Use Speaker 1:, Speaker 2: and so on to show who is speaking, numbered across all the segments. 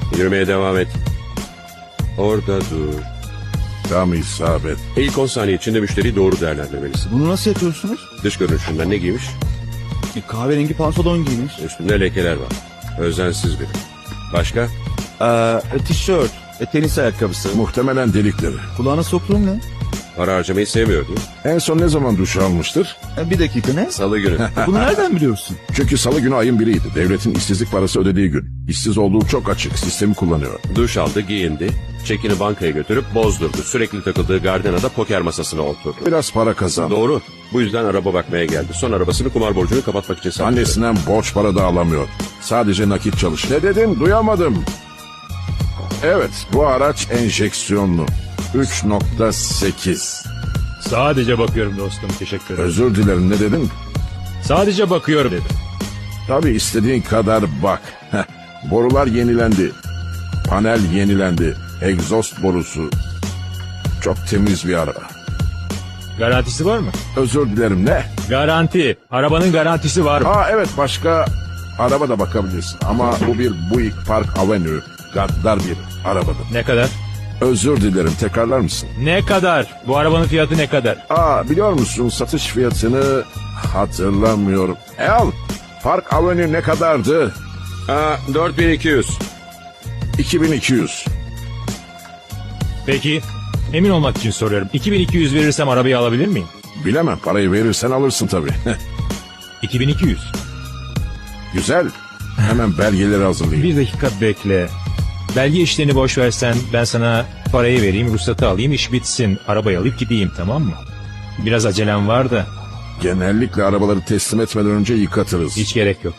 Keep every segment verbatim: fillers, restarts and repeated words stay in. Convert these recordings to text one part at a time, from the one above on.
Speaker 1: Yürümeye devam et. Orada dur.
Speaker 2: Tam isabet.
Speaker 1: İlk on saniye içinde müşteriyi doğru değerlendirmelisin.
Speaker 3: Bunu nasıl yapıyorsunuz?
Speaker 1: Dış görünüşünden ne giymiş?
Speaker 3: E, kahverengi pantolon giymiş.
Speaker 1: Üstünde lekeler var. Özensiz biri. Başka?
Speaker 3: Ee, e, tişört, e, tenis ayakkabısı.
Speaker 2: Muhtemelen delikleri.
Speaker 3: Kulağına soktuğum ne?
Speaker 1: Para harcamayı sevmiyordu.
Speaker 2: En son ne zaman duş almıştır?
Speaker 3: E, bir dakika ne?
Speaker 1: Salı günü.
Speaker 3: Bunu nereden biliyorsun?
Speaker 2: Çünkü salı günü ayın biriydi. Devletin işsizlik parası ödediği gün. İşsiz olduğu çok açık. Sistemi kullanıyor.
Speaker 1: Duş aldı, giyindi. Çekini bankaya götürüp bozdurdu. Sürekli takıldığı gardenada poker masasına oturdu.
Speaker 2: Biraz para kazandı.
Speaker 1: Doğru. Bu yüzden araba bakmaya geldi. Son arabasını kumar borcunu kapatmak için sattı.
Speaker 2: Annesinden borç para da alamıyor. Sadece nakit çalış. Ne dedin? Duyamadım. Evet, bu araç enjeksiyonlu. üç nokta sekiz.
Speaker 4: Sadece bakıyorum dostum, teşekkür ederim.
Speaker 2: Özür dilerim, ne dedin?
Speaker 4: Sadece bakıyorum dedim.
Speaker 2: Tabii istediğin kadar bak. Heh, borular yenilendi. Panel yenilendi. Egzoz borusu. Çok temiz bir araba.
Speaker 4: Garantisi var mı?
Speaker 2: Özür dilerim, ne?
Speaker 4: Garanti. Arabanın garantisi var mı?
Speaker 2: Aa evet, başka araba da bakabilirsin. Ama bu bir Buick Park Avenue. Gaddar bir arabadır.
Speaker 4: Ne kadar?
Speaker 2: Özür dilerim, tekrarlar mısın?
Speaker 4: Ne kadar? Bu arabanın fiyatı ne kadar?
Speaker 2: Aa biliyor musun, satış fiyatını hatırlamıyorum. E al, Park Avenue ne kadardı?
Speaker 1: Aa, dört bin iki yüz.
Speaker 2: iki bin iki yüz.
Speaker 4: Peki, emin olmak için soruyorum. iki bin iki yüz verirsem arabayı alabilir miyim?
Speaker 2: Bilemem, parayı verirsen alırsın tabii.
Speaker 4: iki bin iki yüz.
Speaker 2: Güzel. Hemen belgeleri hazırlayayım.
Speaker 4: Bir dakika bekle. Belge işlerini boş versen ben sana parayı vereyim, ruhsatı alayım, iş bitsin. Arabayı alıp gideyim, tamam mı? Biraz acelem var da
Speaker 2: Genellikle arabaları teslim etmeden önce yıkatırız.
Speaker 4: hiç gerek yok.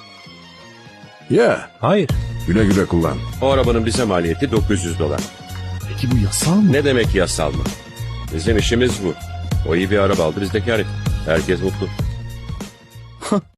Speaker 2: Ya,
Speaker 4: Hayır.
Speaker 2: güle güle kullan.
Speaker 1: O arabanın bize maliyeti dokuz yüz dolar.
Speaker 3: Peki bu yasal mı?
Speaker 1: Ne demek yasal mı? Bizim işimiz bu. O iyi bir araba aldı, biz de kâr ettik. Herkes mutlu.